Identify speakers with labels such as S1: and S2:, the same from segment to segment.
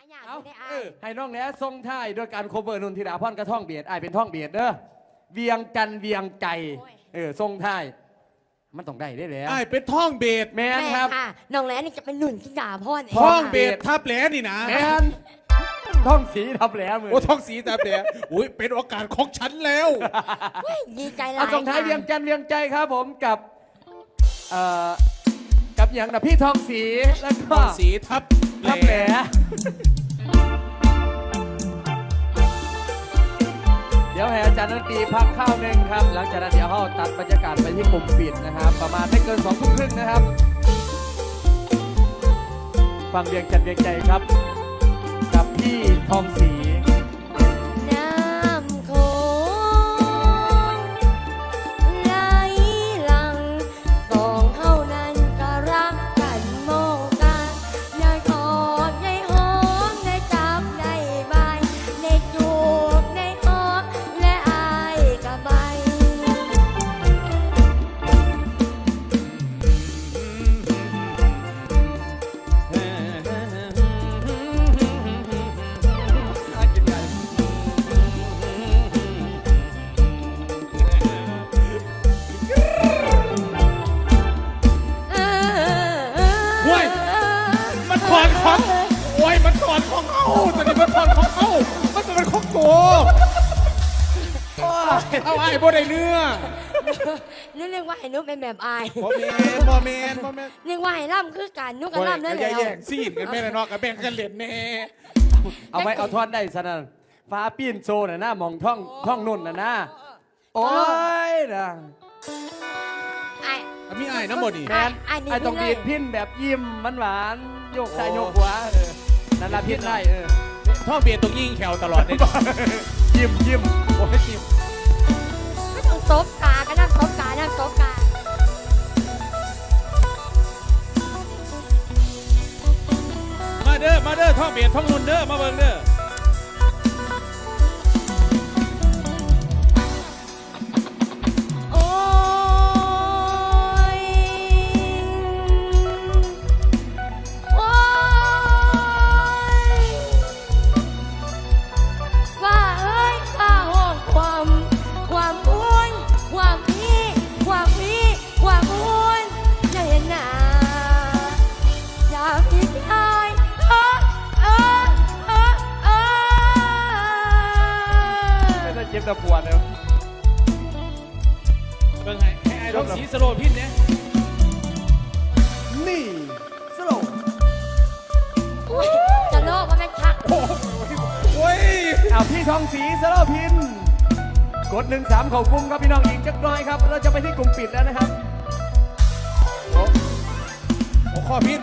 S1: อยาก
S2: เอา
S1: ได้อา
S2: ให้น้องแหนทรงท้ายด้วยการโคเวอร์นุนธิดาพรกระท่องเบียดเป็นท่องเบียดเด้อเวียงจันทร์เวียงใจทรงท้ายมันต้องได้ได้แล้ว
S3: เป็นท่องเบส
S2: แมน
S1: แม่
S2: ครับ
S1: ค่ะน้องแหลนี่จะเป็นหนุนที่ด่าพ่อเอง
S3: ท่อง
S1: ค่ะ
S3: เบสทับแหลนี่นะ
S2: แมนท่องสีทับแหลมือ
S3: โอ้ท่องสีทับแหลอุ้ยเป็นโอกาสของฉันแล้ว
S1: เฮ้ยดีใจหลา
S2: เอา
S1: ย
S2: ส่งท้าย
S1: ค่ะ
S2: เวียงจันทร์เวียงใจครับผมกับอย่างนะพี่ทองสีแล้วก็
S3: ท่องสีทับ
S2: ทับแหลเดี๋ยวให้อาจารย์ดนตรีพักข้าวหนึ่งครับหลังจากนั้นเดี๋ยวเราตัดบรรยากาศไปที่กลุ่มปิดนะครับประมาณไม่เกิน2 ทุ่มครึ่งนะครับฟังเวียงจันทร์เวียงใจครับกับพี่ทองสี
S1: น้ำโขงไหลหลังสองเท่านั้นก็รักกันโมกันได้กอดได้หอมได้จับได้บายได้จูบได้หอมและอายกับใบ
S3: เว้ยมันถอนของโอ้ยมันถอนของเขาตอนนี้มันถอนของเขามันเป็นของโกเอาไอ้บ่ได้เนื้อ
S1: นึกเรียกว่าให้นุกเป็นแบบอาย
S3: บ่แมนบ่แมนบ่แมน
S1: เรียกว่าให้ล่ำคือการนุกกับล่ำนั่นแห
S3: อย่า
S1: ละ
S3: แย่งซีนกันแม่ละเนาะกับแบ่งกันเล่นแน่
S2: เอาไว้เอาท่อนได้สนั่นฟ้าปีนโซน่ะนะมองท่องนุ่นน่ะนะโอ้ยนะ
S1: ไอ้
S3: มีไอ้น้ำบ่นี่
S2: แมน
S1: นี่
S2: ไอ้ต้อง
S1: พี่
S2: ดี
S1: เลย
S2: ดพินแบบยิ้มมันหวานโยกซ้าย
S3: โอ้
S2: โยกขวานั่นละพินได้
S3: ท่องเบสต้องยิงแขวตลอดเลย
S2: ยิ้ม
S3: โอ้ยจิ้ม
S1: ไม่ต้องซบกาก็นั่งซบกานั่งซบกา
S3: มาเด้อท่องเบสท่องนุ่นเด้อมาเบิ่งเด้อ
S1: โอ้ยโอ้ยว่าเอ้ยว่าห้องความอ้วนความพี่ความอ้วนจะเห็นหน้าอยากพี่ชาย
S2: ไม่ได้เจ็บแต่ปวดเลย
S3: เบิ่งให้ไอ้ท่องสีสโลว์พินเนี่ย
S2: นี่สโลว์
S1: จะโลกมันเป็นชัก
S3: โอ้ย
S2: เอาพี่ทองสีสโลว์พินกด13เข้ากลุ่มครับพี่น้องอีกจักหน่อยครับเราจะไปที่กลุ่มปิดแล้วนะครับ
S3: โอ้ข้อพิน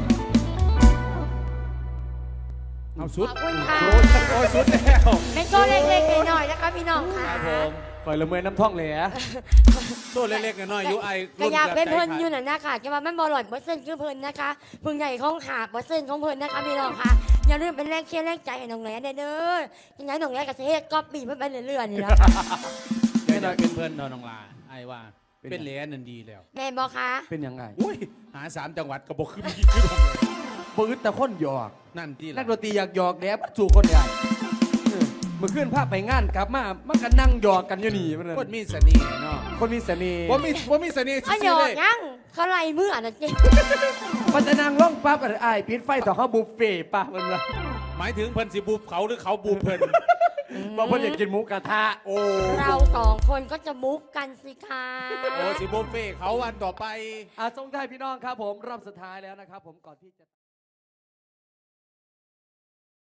S3: เอาสุด
S1: ขอบคุณค่ะ
S3: โอ้ยสุดแล้ว
S1: เป็นตัวเล็กๆหน่อยๆนะคะพี่น้องค่ะ
S2: ปล่อยละเมอน้ำท่องเลยอะ
S3: ตัวเล็กๆน้อยๆอยู่ไอ้
S1: ก็อยากเป็นเพิ่นอยู่น่ะนะคะจะว่ามันบอลลอดเส้นคือเพิ่นนะคะพึ่งใหญ่ของขาเส้นของเพิ่นนะคะพี่น้องค่ะอย่าลืมเป็นแรงเชียร์แรงใจให้น้องแหลนเด้อยังไงน้องแหลนกับเฮ็ดก็ปีเพิ่นไปเรื่อยๆนี่นะคะ
S3: ไม่ได้เป็นเพื่อนน้องลาไอ้ว่าเป็นเหรียญนั่นดีแล้ว
S1: แม่นบ่คะ
S2: เป็นยังไง
S3: อุ้ยหา3 จังหวัดก็บอกขึ้นอีกขึ้นลงเลย
S2: ปืดแต่คนหยอก
S3: นั่นที่
S2: นั
S3: ละ
S2: กดนตรีอยากหยอกแดบสู่คนใหญ่เมื่อคืนภาพไปงานกลับมามันก็นั่งหยอกกันอยู่นี่มันเลย
S3: คนมีเสน่ห์เนาะ
S2: คนมีเสน่ห์
S3: ว่ามีเสน่ห์
S1: อ้าวหย
S3: ซื่อ
S1: อ
S3: ๆเล
S1: ก
S3: ย
S1: ยังเขาไล่มืออ่ะนะเจ๊
S2: มันจะนั่งร้องปั๊บอะไรอ้ายปิดไฟต่อเขาบุฟเฟ่ป่ะมันละ
S3: หมายถึงเพิ่นสิบูบเขาหรือเขาบูบเพิ่น
S2: บอกเพิ่นอยากกินหมูกระทะ
S3: โอ้
S1: เราสองคนก็จะมุกกันสิคะ
S3: โอ้สิบูฟเฟ่เขาวันต่อไป
S2: ส่งท้ายพี่น้องครับผมรอบสุดท้ายแล้วนะครับผมก่อนที่จะ